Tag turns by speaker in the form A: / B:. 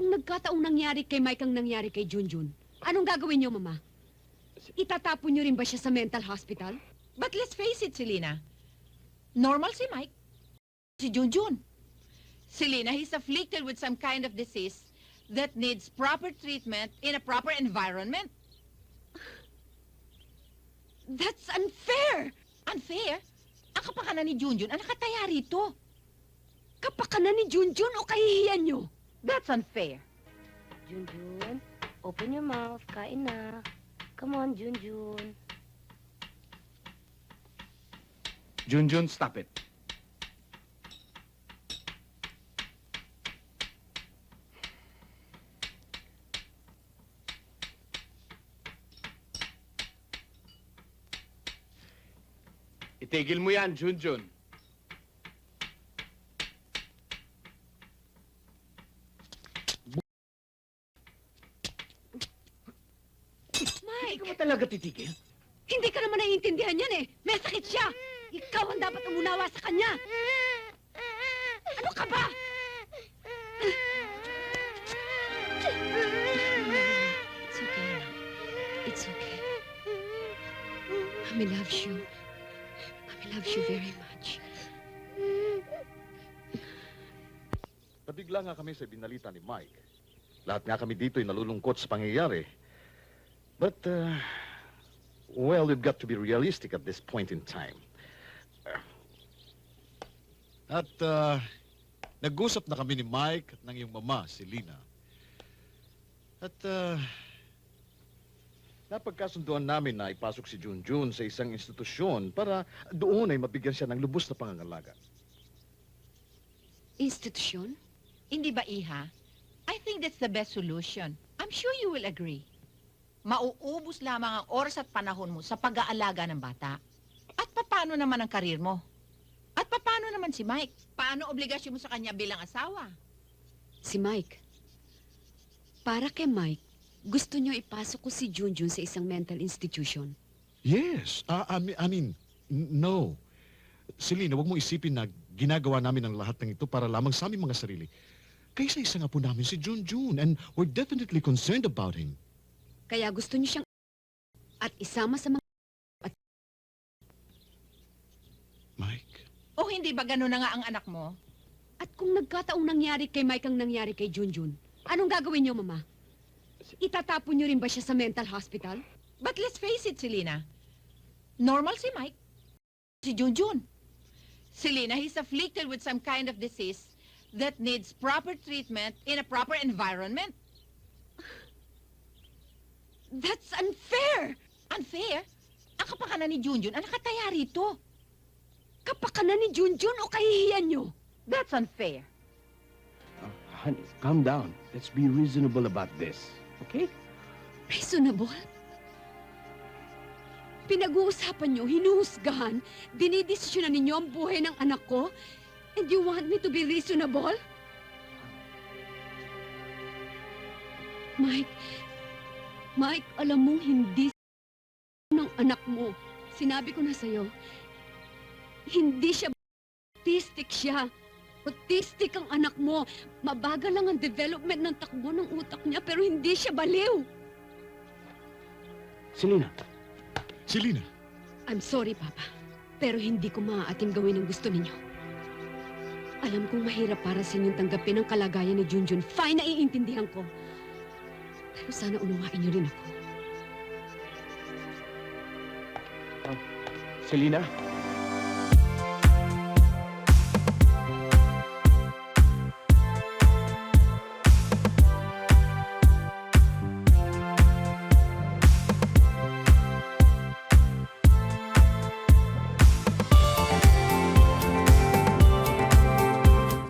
A: kung nagkataong nangyari kay Mike ang nangyari kay Junjun, anong gagawin niyo, Mama? Itatapon niyo rin ba siya sa mental hospital?
B: But let's face it, Selena. Normal si Mike. Si Junjun. Selena, he's afflicted with some kind of disease that needs proper treatment in a proper environment.
A: That's unfair!
B: Unfair? Ang kapakanan ni Junjun ang nakataya rito.
A: Kapakanan ni Junjun o kahihiyan niyo?
B: That's unfair.
C: Junjun, open your mouth. Kain na. Come on, Junjun.
D: Junjun, stop it. Itigil mo yan, Junjun.
A: Mike!
D: Hindi ka ba talaga titigil?
A: Hindi ka naman naiintindihan yan eh! May sakit siya! Ikaw ang dapat umunawa sa kanya! Ano ka ba? It's okay. It's okay. Mami loves you. Mami loves you very much.
E: Nabigla nga kami sa binalita ni Mike. Lahat nga kami dito ay nalulungkot sa pangyayari. But, well, we've got to be realistic at this point in time.
F: At nag-usap na kami ni Mike at ng iyong mama, si Lina. At
E: Napagkasunduan namin na ipasok si Junjun sa isang institusyon para doon ay mabigyan siya ng lubos na pangangalaga.
A: Institusyon?
B: Hindi ba, Iha? I think that's the best solution. I'm sure you will agree. Mauubos lamang ang oras at panahon mo sa pag-aalaga ng bata. At paano naman ang karir mo? At paano naman si Mike? Paano obligasyon mo sa kanya bilang asawa?
A: Si Mike. Para kay Mike, gusto niyo ipasok ko si Junjun sa isang mental institution.
F: yes, I mean, no. Selena, huwag mo isipin na ginagawa namin ang lahat ng ito para lamang sa aming mga sarili. Kaysa isa nga po namin si Junjun, and we're definitely concerned about him.
A: Kaya gusto niyo siyang at isama sa mga...
F: Mike?
B: O hindi ba gano'n na nga ang anak mo?
A: At kung nagkataong nangyari kay Mike ang nangyari kay Junjun, anong gagawin niyo, Mama? Itatapon niyo rin ba siya sa mental hospital?
B: But let's face it, Selena. Normal si Mike. Si Junjun. Selena, he's afflicted with some kind of disease that needs proper treatment in a proper environment.
A: That's unfair!
B: Unfair? Ang kapakanan ni Junjun ang nakataya rito.
A: Kapakanan ni Junjun o kahihiyan niyo?
B: That's unfair.
D: Honey, calm down. Let's be reasonable about this. Okay?
A: Reasonable? Pinag-uusapan niyo, hinuhusgahan, dinidesisyonan ninyo ang buhay ng anak ko, and you want me to be reasonable? Mike, alam mong hindi ng anak mo. Sinabi ko na sa'yo, hindi siya autistic siya. Autistic ang anak mo. Mabagal lang ang development ng takbo ng utak niya, pero hindi siya baliw.
D: Selena.
F: Selena?
A: I'm sorry, Papa. Pero hindi ko maaatim gawin ang gusto ninyo. Alam kong mahirap para sa inyong tanggapin ang kalagayan ni Junjun. Fine, naiintindihan ko. Pero sana unawain niyo rin ako.
D: Selena?